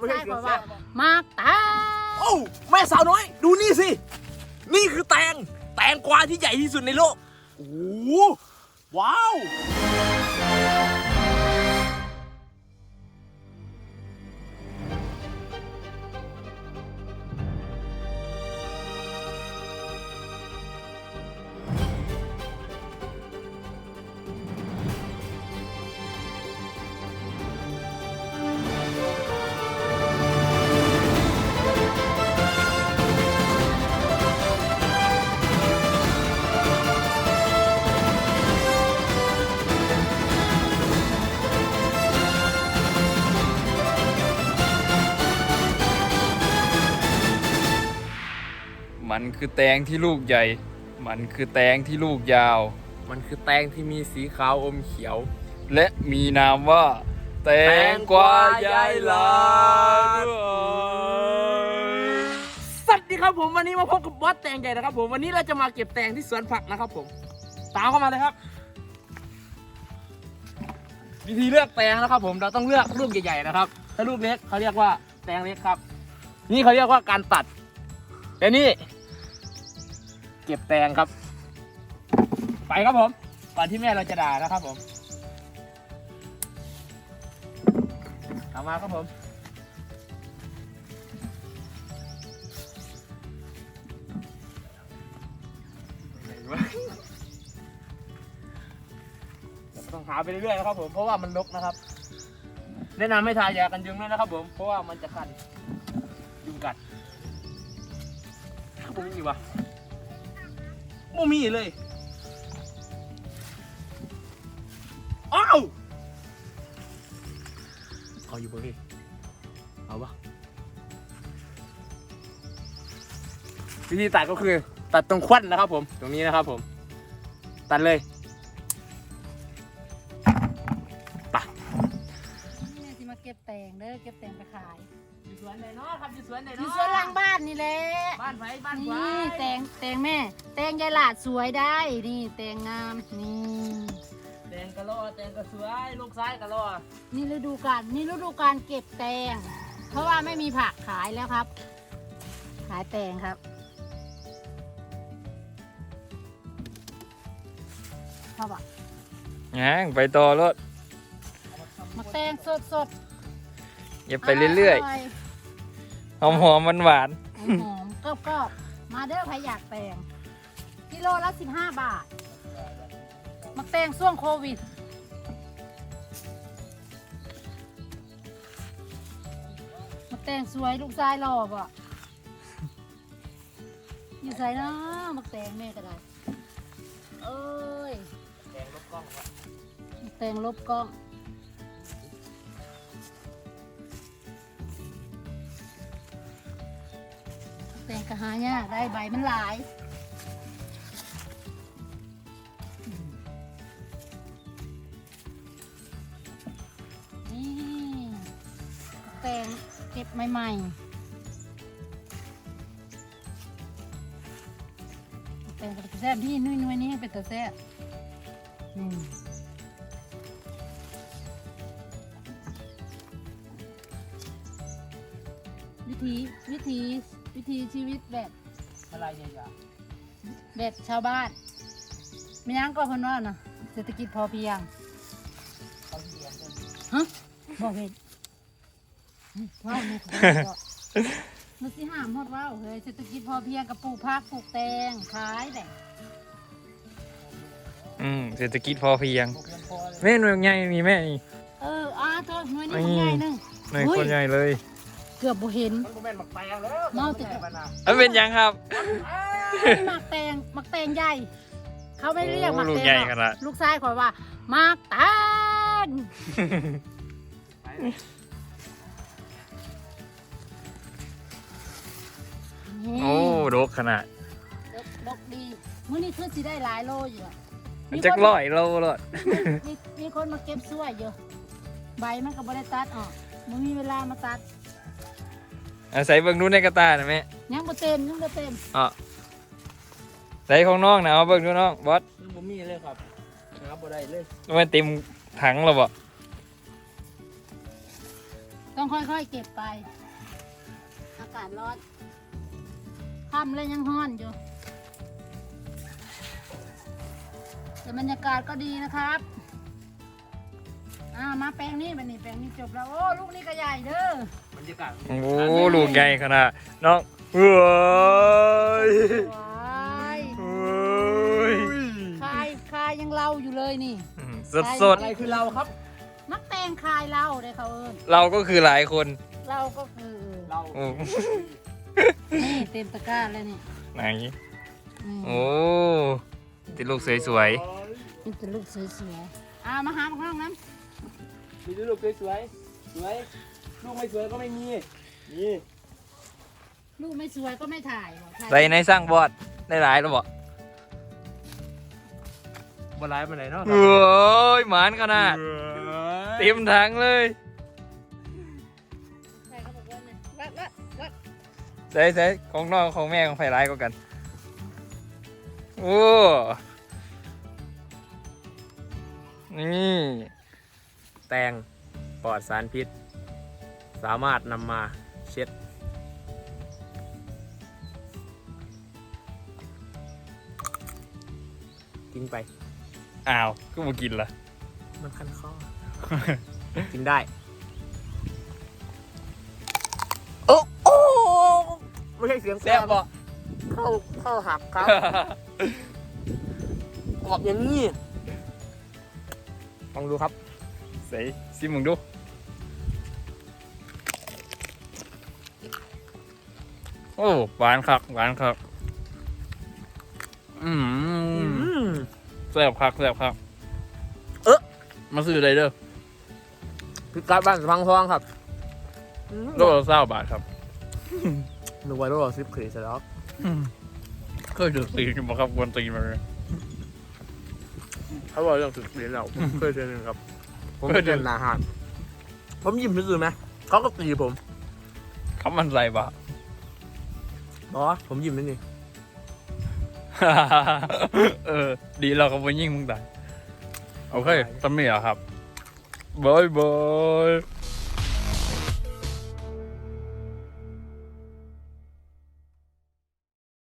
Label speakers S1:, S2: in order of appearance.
S1: ใช่เพราะว่ามากแตง
S2: โอ้แม่สาวน้อยดูนี่สินี่คือแตงกวาที่ใหญ่ที่สุดในโลกโอ้ว้าว
S3: มันคือแตงที่ลูกใหญ่ มันคือแตงที่ลูกยาว
S2: มันคือแตงที่มีสีขาวอมเขียว
S3: และมีนามว่า แตงกวายายหลาน
S2: สวัสดีครับผมวันนี้มาพบกับบอสแตงใหญ่นะครับผมวันนี้เราจะมาเก็บแตงที่สวนผักนะครับผมตามเข้ามาเลยครับ วิธีเลือกแตงนะครับผมเราต้องเลือกลูกใหญ่ๆนะครับถ้าลูกเล็กเขาเรียกว่าแตงเล็กครับนี่เขาเรียกว่าการตัดแต่นี่เก็บแตงครับไปครับผมก่อนที่แม่เราจะด่านะครับผมเอามาครับผมต้องหาไปเรื่อยๆนะครับผมเพราะว่ามันรกนะครับแนะนำให้ทายากันยุงด้วยนะครับผมเพราะว่ามันจะคันยุงกัดบ่มีวะบ่มีเลยอ้าวเอาอยู่บ่พี่เอาปะวิธีตัดก็คือตัดตรงควันนะครับผมตรงนี้นะครับผมตัดเลยไป
S1: แม่ที่มาเก็บแตงเด้อเก็บแตงไปขาย
S2: อยู่สวนไหนเนาะครับอยู่สวนไหน
S1: อ
S2: เนาะ
S1: ยู่สวนหลังบ้านนี่แหละ
S2: บ้านไผ่บ้านไผ่
S1: นี่แตงแม่แตงยายหลาดสวยได้นี่แตงงามนี่
S2: แตงกะโลแตงกะสวยลูกซ้ายกะโล
S1: นี่ฤดูกาลเก็บแตงเพราะว่าไม่มีผักขายแล้วครับ ขายแตงครับพ่อบอก
S3: ยังไปต่อรถ
S1: มาแตงสด
S3: อย่าไปเรื่อยๆหอมๆหวาน
S1: ๆหอมๆกรอบๆมาเด้อใครอยากแตงกิโลละ15 บาทมาแตงช่วงโควิดมาแตงสวยลูกชายหล่อบ่อยู่ใส่เนาะมาแตงแม่ก็ได้เอ้ย
S2: แตงลบกล้องวะ
S1: แตงลบกล้องแตงกระหายากได้ใบมันหลายนี่แตงเก็บใหม่ๆแตงเป็นตะแซ่บนี่นุ่ยๆนี่เป็นตะแซ่บวิถีชีวิตแบบ
S2: อะไรใหญ่
S1: แบบชาวบ้านไม่ยังก็คนว่านะเศรษฐกิจพอเพียง
S2: ๆเขาเรียนกัน
S1: ฮะบอกเห็นว้าวนี่มันสิห้ามหมดว้าวเฮ้ยเศรษฐกิจพอเพียงกับปลูกผักปลูกแตงขายแหละ
S3: เศรษฐกิจพอเพียง
S2: พวกเรียนพอเลย
S3: แม่หน่วยใหญ่มีแม่นี่
S1: โทษหน่วยนี้ใหญ่หนึง
S3: หน่วยคนใหญ่เลย
S1: เกือบบ่เห็น
S2: มันก็แม่นหมักแตงแล้ว
S1: เมาติด
S2: แม่มันน่ะ
S3: มันเป็นยังครับ
S1: หมักแตงใหญ่ เขาไม่เรียกหมัก
S3: ลู
S1: แต
S3: ก
S1: ง
S3: ใหญ่
S1: หรอก
S3: ขนาด
S1: ลูกชายขอยว่าหมักแตงนี่
S3: โอ้ดกขนาด
S1: ดกดีมื้อนี้คือสิได้หลายโลอยู่อะ
S3: มันจักร้อยโลรถ
S1: มีคนมาเก็บช่วยอยู่ใบมันก็บ่ได้ตัดออกมันมีเวลามาตัด
S3: อาศัยเบิ่งดูในกระตาหน่อยแม่
S1: ยังบ่เต็ม
S3: อ๋อใส่ของน้องนะเอาเบิ่งดูน้องบอส
S2: ยังบ่มีเลยครับหาบ่ได้เลย
S3: มันเต็มถังแล้วบ่
S1: ต้องค่อยๆเก็บไป อากาศร้อนค่ำเลยยังร้อนอยู่แต่บรรยากาศก็ดีนะครับมาแปลงนี้บันนี้แปลงนี้จบแล้วโอ้ลูกนี่ก็ใหญ่เด้อบ
S2: รรยากาศ
S3: โอ้ลูกใหญ่ขนาดน้องเฮ้ย
S1: ว้าย
S3: เฮ้ย
S1: คายยังเล่าอยู่เลยนี่
S3: สดสด
S2: อะไรคือเราครับ
S1: มักแตงคายเล่าได้เขาเอิญ
S3: ๆเราก็คือหลายคน
S1: เราก็คือ
S2: เรา
S3: โอ้
S1: นี่เต็มตะกร้าเลยนี่
S3: ไหน
S1: อืม
S3: โอ้ติดลูกสวย
S1: นี่เป็นลูกสวยๆมาหาข้างน้
S2: มีลูกสวยสวยลูกไม่สวยก็ไม่มีนี่
S1: ำลูกไม่สวยก็ไม่ถ่ายบอกถ่าย
S3: ๆใส่ในสร้างบอดได้หลายแล้วบ่
S2: บนไลน์มาไหนเนาะ
S3: โอ้ยหมานขนาดเต็มถังเลย
S1: ใช่เขาบอกว่าเนี่ยวัด
S3: ใส่ของน้องของแม่ของไผ่ร้ายก็กัน โอ้ นี่ แตงปลอดสารพิษ สามารถนำมาเช็ด
S2: กินไป
S3: อ้าว ก็มากินละ
S2: มันคันคอ กินได้โอ้โอ้ไม่ใช่เสียง
S3: แซ่บบ่
S2: เข้าหักครับออกอย่างนี้ลองดูครับ
S3: ใส่ซิมึงดู โอ้หวานคักหวานคักแซ่บคักแซ่บคักมาซื้ออะไรเด้อ
S2: พิกัดบ้านพังทองครับ
S3: โลละ20 บาทครับ
S2: นึกว่าโลละ10 ขีดแล้ว
S3: เคยถือตีนมาครับกวนตีนมาเลย
S2: เขาบอกเรื่อง10 ขีดแล้วเคยเจอหนึ่งครับ ผม
S3: เคยเจอ
S2: เป็นอาหารผมยิ้มซื่อๆไหมเขาก็ตีผม
S3: เขามันใส่บาท
S2: บอสผมยิ้มนี่
S3: เออ ดีเราก็ไปยิ่งมึงตายโอเคสำเนียครับบายบาย